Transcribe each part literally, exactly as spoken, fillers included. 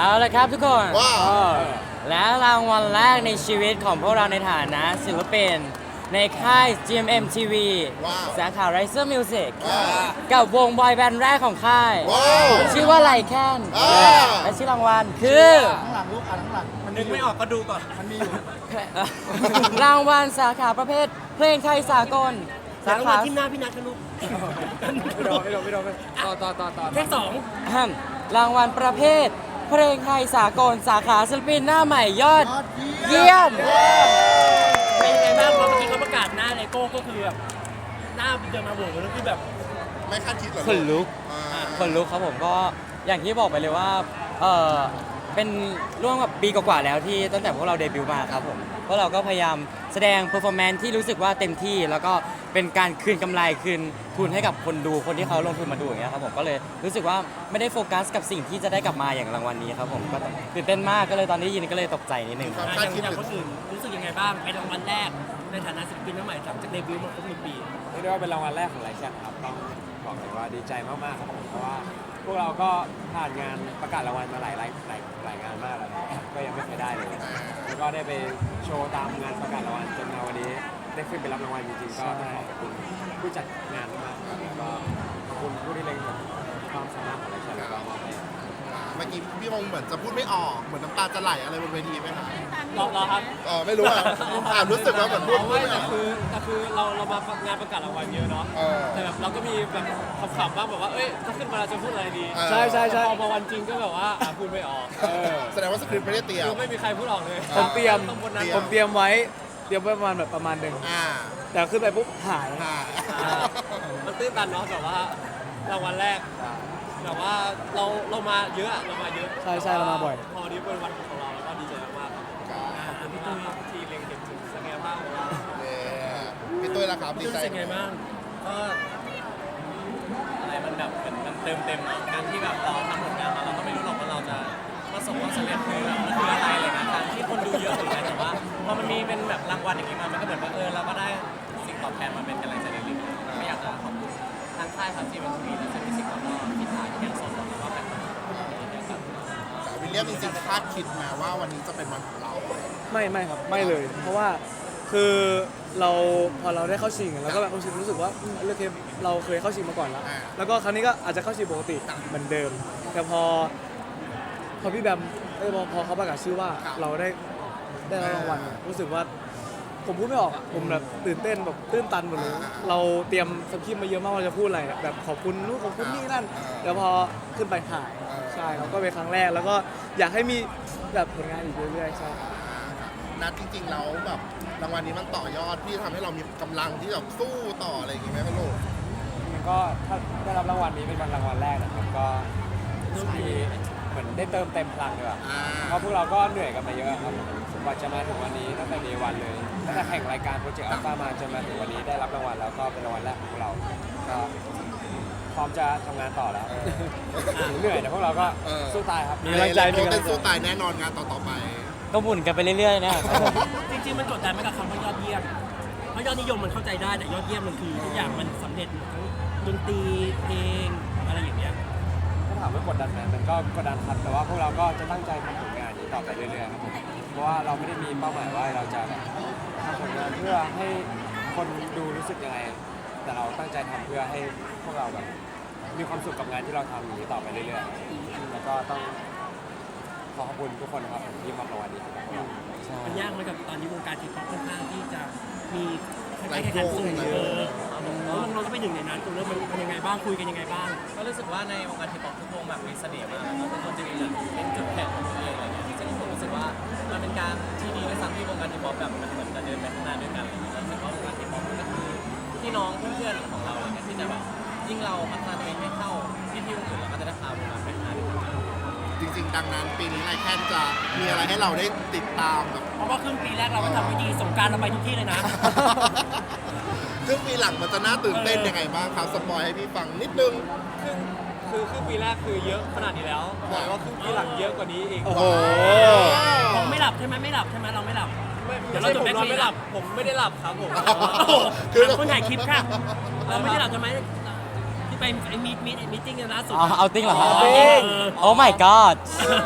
เอาละครับทุกคนว้าวและรางวัลแรกในชีวิตของพวกเราในฐานะศิลปินในค่าย จี เอ็ม เอ็ม ที วีว้าวสาขา Riser Music ว้าวกับวงบอยแบนด์แรกของค่ายว้าวชื่อว่าไลแคนว้าวและชื่อรางวัลคือข้างหลังลูกอ่านข้างหลังมันนึกไม่ออกก็ดูก่อน มันมีอยู่รางวัลสาขาประเภทเพลงไทยสากลสาสาขาขาที่หน้าพี่นัทกันลูกไม่โดนไม่โดนไม่โดนต่อต่อต่อต่อเลขสองอ่ำรางวัลประเภท เพลงไทยสากลสาขาศิลปินหน้าใหม่ยอดเยี่ยมเป็นยังไงบ้างพอเมื่อกี้เขาประกาศหน้าเลโก้ก็คือแบบหน้าเดินมาโบกแล้วคือแบบไม่คาดคิดเหรอขนลุกอ่าคนลุกครับผมก็อย่างที่บอกไปเลยว่าเออเป็นร่วมกับปีกว่าๆแล้วที่ตั้งแต่พวกเราเดบิวต์มาครับผมพวกเราก็พยายามแสดงเพอร์ฟอร์แมนซ์ที่รู้สึกว่าเต็มที่ แล้วก็เป็นการคืนกำไรคืนทุนให้กับคนดูคนที่เขาลงทุนมาดูอย่างเงี้ยครับผมก็เลยรู้สึกว่าไม่ได้โฟกัสกับสิ่งที่จะได้กลับมาอย่างรางวัลนี้ครับผมก็ตื่นเต้นมากก็เลยตอนนี้ยินก็เลยตกใจนิดนึงความอคาดย่างคิดอย่างหครืนออื่นรู้สึกยังไงบ้างเป็นรางวัลแรกในฐานะศิลปินหน้าใหม่หลังจากเดบิวต์มาครบหนึ่งปีเรียกได้ว่าเป็นรางวัลแรกของไลแคนครับต้องบอกเลยว่าดีใจมากๆครับผมเพราะว่าพวกเราก็ผ่านงานประกาศรางวัลมาหลายหลายหลายหลายงานมากแล้วนะครับก็ยังไม่เคยได้เลยแล้วก็ได้ไปโชว์ตามงานประกาศรางวัลจนมาวันนี้ได้ขึ้นไปรับรางวัลจริงๆก็ต้องขอบคุณผู้จัดงานมากๆครับแล้วก็ขอบคุณผู้ที่เล็งเห็นความสามารถของไลแคนแล้วก็มอบให้เมื่อกี้พี่มงเหมือนจะพูดไม่ออกเหมือนน้ำตาจะไหลอะไรบนเวทีไหมคะรอรอครับเออไม่รู้อ่ะอ่านรู้สึกว่าเหมือนพูดเอาพูไว้ดไม่อแต่อกคือแต่คือเราเรามางานประกาศรางวัลเยอะเนาะเออแต่แบบเราก็มีแบบขำๆบ้างแบบว่าเอ้ยถ้าขึ้นมาเราจะพูดอะไรดีเออใช่ใช่ใช่พอมาวันจริงก็แบบว่าอ่ะพูดไม่ออกเออแสดงว่าสคริปต์ไม่ได้เตรียมคือไม่มีใครพูดออกเลยผมเตรียมต้องบนนั้นผมเตรียมไว้เตรียมไว้ประมาณแบบประมาณหนึ่งอ่าแต่ขึ้นไปปุ๊บหายอ่าอ่ามันตื้นตันเนาะแบบว่ารางวัลแรกแบบว่าเราเรามาเยอะอะเรามาเยอะใช่ใช่เรามาบ่อยพอวันนี้เป็นวันของเราแล้วก็ดีใจมากๆครับอ่าพี่ตุ้ยที่เล็งเห็นถึงศักยภาพของเราเนี่ยพี่ตุ้ยละครับดีพี่ใจรู้สึกไงบ้างก็อะไรมันแบบมันมันเติมเต็มเนาะการที่แบบเราทำผลงานมาเราก็ไม่รู้หรอกว่าเราจะประสบความสำเร็จคือแบบมันคืออะไรเลยนะการที่คนดูเยอะถึงไหนแต่ว่าพอมันมีเป็นแบบรางวัลอย่างนี้มามันก็เหมือนว่าเออเราก็ได้สิ่งตอบแทนมาเป็นกำลังใจเล็กๆไม่อยากจะขอบคุณทางค่ายครับที่เป็นทีและจะมีสิ่งแล้วก็พี่ถ่ายที่ยังสดแล้วก็แบบนะครับวิลเลียมจริงๆคาดคิดมาว่าวันนี้จะเป็นวันของเราไม่ไม่ครับไม่เลย เพราะว่าคือเราพอเราได้เข้าชิงเราก็แบบรู้สึกรู้สึกว่าอืมโอเคเราเคยเข้าชิงมาก่อนแล้วอ่าแล้วก็ครั้งนี้ก็อาจจะเข้าชิงปกติเหมือนเดิม แต่พอพอพี่แบมเอ้ยพอพอเขาประกาศชื่อว่าเราได้ได้รับรางวัลอะรู้สึกว่าผมพูดไม่ออกอะผมแบบตื่นเต้นแบบตื้นตันหมดเลยเราเตรียมสคริปต์มาเยอะมากว่าจะพูดอะไรอะแบบขอบคุณนู่นขอบคุณนี่นั่นแล้วพอขึ้นไปถ่ายใช่ครับก็เป็นครั้งแรกแล้วก็อยากให้มีแบบผลงานอีกเรื่อยๆใช่นัดจริงๆแล้วแบบรางวัลนี้มันต่อยอดที่ทำให้เรามีกำลังที่แบบสู้ต่ออะไรอย่างงี้ไหมครับลูกก็ถ้าได้รับรางวัลนี้เป็นวันรางวัลแรกนะครับก็รู้สึกดีเหมือนได้เติมเต็มพลังด้วยอ่าเพราะพวกเราก็เหนื่อยกันมาเยอะครับกว่าจะมาถึงวันนี้ตั้งแต่เดวันเลยตั้งแต่แข่งรายการโปรเจกต์อัลฟามาจนมาถึงวันนี้ได้รับรางวัลแล้วก็เป็นรางวัลแรกของพวกเราก็พร้อมจะทำงานต่อแล้วเหนื่อยแต่พวกเราก็เออสู้ตายครับมีกำลังใจมีกำลังใจเต้นสู้ตายแน่นอนงานต่อๆไปก็หมุนกันไปเรื่อยๆนะครับผมจริงๆมันกดดันไหมกับคำว่ายอดเยี่ยมเพราะยอดนิยมมันเข้าใจได้แต่ยอดเยี่ยมมันคือทุกอย่างมันสำเร็จหมดทั้งดนตรีเพลงอะไรอย่างเงี้ยถ้าถามว่ากดดันไหมมันก็กดดันครับแต่ว่าพวกเราก็จะตั้งใจทำผลงานนี้ต่อไปเรื่อยๆครับผมเพราะว่าเราไม่ได้มีเป้าหมายว่าเราจะแบบทำผลงานเพื่อให้คนดูรู้สึกยังไง แต่เราตั้งใจทำเพื่อให้พวกเราแบบมีความสุขกับงานที่เราทำอย่างนี้ต่อไปเรื่อยๆแล้วก็ต้องขอขอบคุณทุกคนครับที่มอบรางวัลนี้ให้กับพวกเรามันยากไหมกับตอนนี้วงการทีป๊อปค่อนข้างที่จะมีคล้ายๆแข่งขันสูงเออแล้วน้องๆก็เป็นหนึ่งในนั้นตรงนี้มันเป็นยังไงบ้างคุยกันยังไงบ้างก็รู้สึกว่าในวงการทีป๊อปทุกวงแบบมีเสน่ห์มากแล้วทุกคนจะมีแบบเป็นจุดแข็งของตัวเองอะไรเงี้ยซึ่งผมรู้สึกว่ามันเป็นการที่ดีในสังที่วงการทีป๊อปแบบมันเหมือนจะเดินไปข้างหน้าด้วยกันอะไรเงี้ยรู้สึกว่าวงการทีป๊อปมันก็คือพี่น้องเพื่อนๆของเราอะไรเงี้ยที่จะแบบยิ่งเราพัฒนาตัวเองให้เข้าที่ที่วงอื่นเราก็จะได้พาวงการไปข้างหน้าด้วยกันจริงๆ ดังนั้นปีนี้ไลแคนจะมีอะไรให้เราได้ติดตามแบบเพราะว่าครึ่งปีแรกเราก็ทำไม่ดีสงกรารเราไปทุกที่เลยนะซึ่งปีหลังมันจะน่าตื่นเต้นยังไงบ้างครับสปอยให้พี่ฟังนิดนึงคือคือครึ่งปีแรกคือเยอะขนาดนี้แล้วบอกเลยว่าครึ่งปีหลังเยอะกว่านี้อีกโอ้โหเราไม่หลับใช่ไหมไม่หลับใช่ไหมเราไม่หลับไม่เดี๋ไม่ยวเราใช่จบผมนอนแบ็คไม่หลับผมไม่ได้หลับครับผมคือถามคนถ่ายคลิปค่ะเราไม่ได้หลับใช่ไหมที่ไปไอ้มีดมีดมีติ้งกันล่าสุดเอาเอาติ้งเหรอครับเออโอ้ my god ก็เลย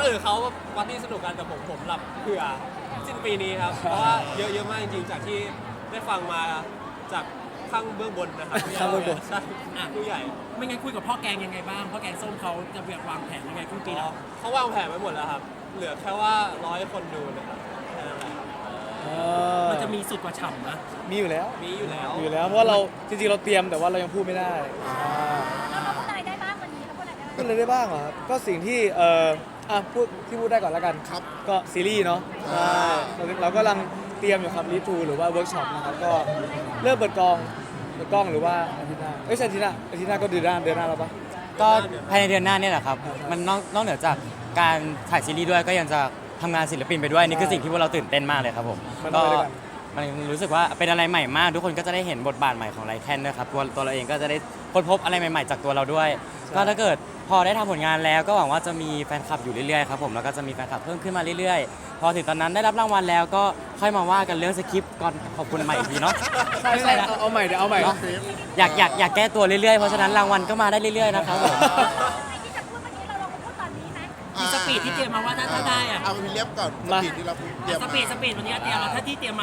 อื่นเขาปาร์ตี้สนุกกันแต่ผมผมหลับเผื่อสิ้นปีนี้ครับ เพราะว่าเยอะเยอะมากจริงๆจากที่ได้ฟังมาจากข้างเบื้องบนนะครับข้างเบื้องบนใช่ผู้ใหญ่ไม่งั้นคุยกับพ่อแกงยังไงบ้างพ่อแกงส้มเขาจะวางแผนยังไงครึ่งปีแล้วเขาวางแผนไว้หมดแล้วครับ เหลือแค่ว่าร้อยคนดูนะครับแค่นั้นแหละเออมันจะมีสุดกว่าฉ่ำนะมีอยู่แล้วมีอยู่แล้วมีอยู่แล้วเพราะว่าเราจริงๆเราเตรียมแต่ว่าเรายังพูดไม่ได้อ่าแล้วเราพูดอะไรได้บ้างวันนี้เราพูดอะไรได้บ้างพูดอะไรได้บ้างเหรอครับก็สิ่งที่เอ่ออ่ะพูดที่พูดได้ก่อนแล้วกันครับก็ซีรีส์เนาะอ่าใช่เราเรากำลังเตรียมอยู่ครับรีทูหรือว่าเวิร์กช็อปนะครับก็เริ่มเปิดกองเปิดกล้องหรือว่าอาทิตย์หน้าเอ้ยใช่อาทิตย์หน้าอาทิตย์หน้าก็เดือนหน้าเดือนหน้าแล้วปะก็ภายในเดือนหน้าเนี่ยแหละครับ มันนอกนอกเหนือจากการถ่ายซีรีส์ด้วยก็ยังจะทำงานศิลปินไปด้วยนี่คือสิ่งที่พวกเราตื่นเต้นมากเลยครับผมมันต้อก็งไปด้วยกันมันรู้สึกว่าเป็นอะไรใหม่มาก ทุกคนก็จะได้เห็นบทบาทใหม่ของไลแคนด้วยครับตัวตัวเราเองก็จะได้ค้นพบอะไรใหม่ๆจากตัวเราด้วย ก็ถ้าเกิดพอได้ทำผลงานแล้วก็หวังว่าจะมีแฟนคลับอยู่เรื่อยๆครับผมแล้วก็จะมีแฟนคลับเพิ่มขึ้นมาเรื่อยๆ พอถึงตอนนั้นได้รับรางวัลแล้วก็ค่อยมาว่ากันเรื่องสคริปต์ก่อนขอบคุณใหม่อีกทีเนาะใช่ใช่เอาเอาใหม่เดี๋ยวเอาใหม่เนาะอยากอยากอยากแก้ตัวเรื่อยๆเพราะฉะนั้นรางวัลก็มาได้เรื่อยๆนะครับผมไอ้ที่จะพูดเมื่อกี้เราลองมาพูดตอนนี้ไหมมีสปีดที่เตรียมมาว่าถ้าถ้าได้อะเอาพี่เลียบก่อนสมาปีดที่เราเตรียมสมาปีดสปีดวันนี้เตรียมมาถ้าที่เตรียมมา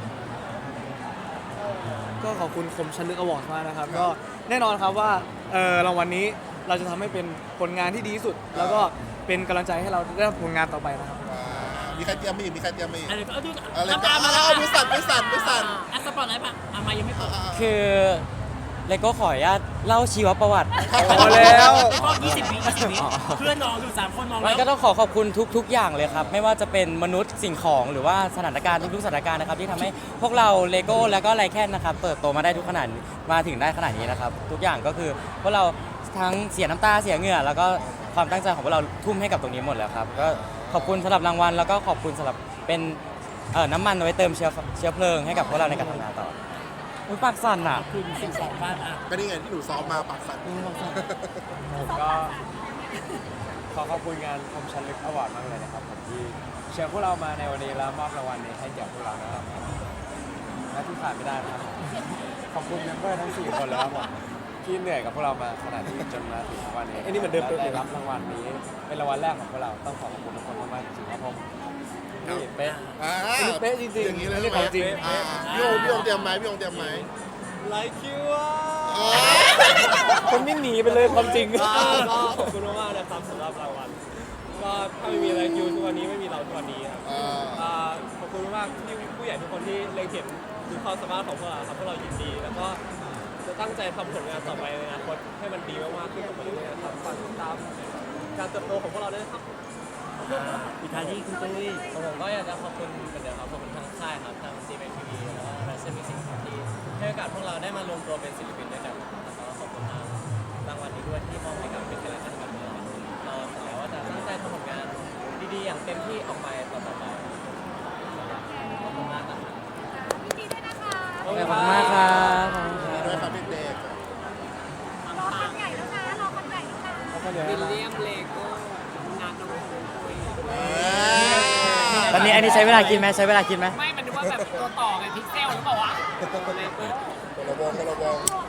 ก็ขอบคุณคมชันลึกอวอร์ดมากนะครับ ก็แน่นอนครับว่าเอ่อรางวัลนี้เราจะทำให้เป็นผลงานที่ดีที่สุด แล้วก็เป็นกำลังใจให้เราได้ทำผลงานต่อไปนะครับอ่ามีใครเตรียมมาอีกมีใครเตรียมมาอีกอะไรก็เอาดูอะไรน้ำก็ตามาแล้วเอาไม่สั่นไม่สั่นไม่สั่นอ่ะสปอร์ตอะไรปะอ่ะมายังไม่เปิดคือเลโก้ขออนุญาตเล่าชีวประวัติพอแล้วก็ยี่สิบวิยี่สิบวิเพื่อนน้องอยู่สามคนมองมัแล้นวก็ต้องขอขอบคุณทุก ๆ อย่างเลยครับ ไม่ว่าจะเป็นมนุษย์สิ่งของหรือว่าสถานการณ์ทุกๆสถานการณ์นะครับที่ทำให้พวกเราเลโก้แล้วก็ไลแคนนะครับเติบโตมาได้ทุกขนาดมาถึงได้ขนาดนี้นะครับ ทุกอย่างก็คือพวกเราทั้งเสียน้ำตาเสียเหงื่อ แล้วก็ความตั้งใจของพวกเราทุ่มให้กับตรงนี้หมดแล้วครับก็ขอบคุณสำหรับรางวัลแล้วก็ขอบคุณสำหรับเป็นเอ่อน้ำมันเอาไว้เติมเชื้อเชื้อเพลิงให้กับพวกเราในการทำงานต่ออุ๊ยปากสั่นอ่ะคือสิ่งสองบ้านอ่ะก็นี่ไงที่หนูซ้อมมาปากสั่นผมก็ขอขอบคุณงานคมชันลึกอวอร์ดมากเลยนะครับผมที่เชิญพวกเรามาในวันนี้แล้วมอบรางวัลนี้ให้แก่พวกเรานะครับและที่ขาดไม่ได้นะครับขอบคุณเมมเบอร์ทั้งสี่คนเลยครับผมที่เหนื่อยกับพวกเรามาขนาดนี้จนมาถึงวันนี้อันนี้เหมือนเดิมและเป๊ะเลได้ยรับรางวัลนี้เป็นรางวัลแรกของพวกเราต้องขอขอบคุณทุกคนมากๆจริงๆครับผมนี่เป๊ะอ่าอันนี้เป๊ะจริงๆอย่างนี้เลยอันนี้ของจริงอ่าพี่โอมพี่โอมเตรียมไหมพี่โอมเตรียมไหมไลคิวอ่ะอ่าคนวิ่งหนีไปเลยความจริงก็ก็ขอบคุณมากๆนะครับสำหรับรางวัลก็ถ้าไม่มีไลคิวทุกวันนี้ไม่มีเราทุกวันนี้ครับอ่าอ่าขอบคุณมากที่ผู้ใหญ่ทุกคนที่เล็งเห็นถึงความสามารถของพวกเราครับพวกเรายินดี แล้วก็จะตั้งใจทำผลงานต่อไปในอนาคตให้มันดีมากๆขึ้นต่อไปเรื่อยๆครับฝากติดตามการเติบโตของพวกเราด้วยนะครับอีกทายที่คุณตุ้ยของผมก็อยากจะขอบคุณเหมือนเดิมครับขอบคุณทางค่ายครับทาง ซี เอ็ม ที วี แล้วก็แฟชั่นมิวสิกที่ให้โอกาสพวกเราได้มารวมตัวเป็นศิลปินด้วยกันแล้วก็ขอบคุณทางรางวัลนี้ด้วยที่มอบให้กับเป็นกำลังใจให้กับพวกเราเราสัญญาว่าจะตั้งใจทำผลงานดีๆอย่างเต็มที่ออกไปต่อๆไปขอบคุณมากครับยินดีด้วยนะคะขอบคุณมากครับขอบคุณครับด้วยครับเด็กรอคันใหญ่แล้วนะรอคันใหญ่แล้วนะวิลเลียมเลโก้งานน้องตุ้ยๆตอนนี้อันนี้ใช้เวลากินไหมใช้เวลากินไหมไม่มันนึกว่าแบบตัวต่อไงพิกเซลหรือเปล่าวะคนละวงคนละวง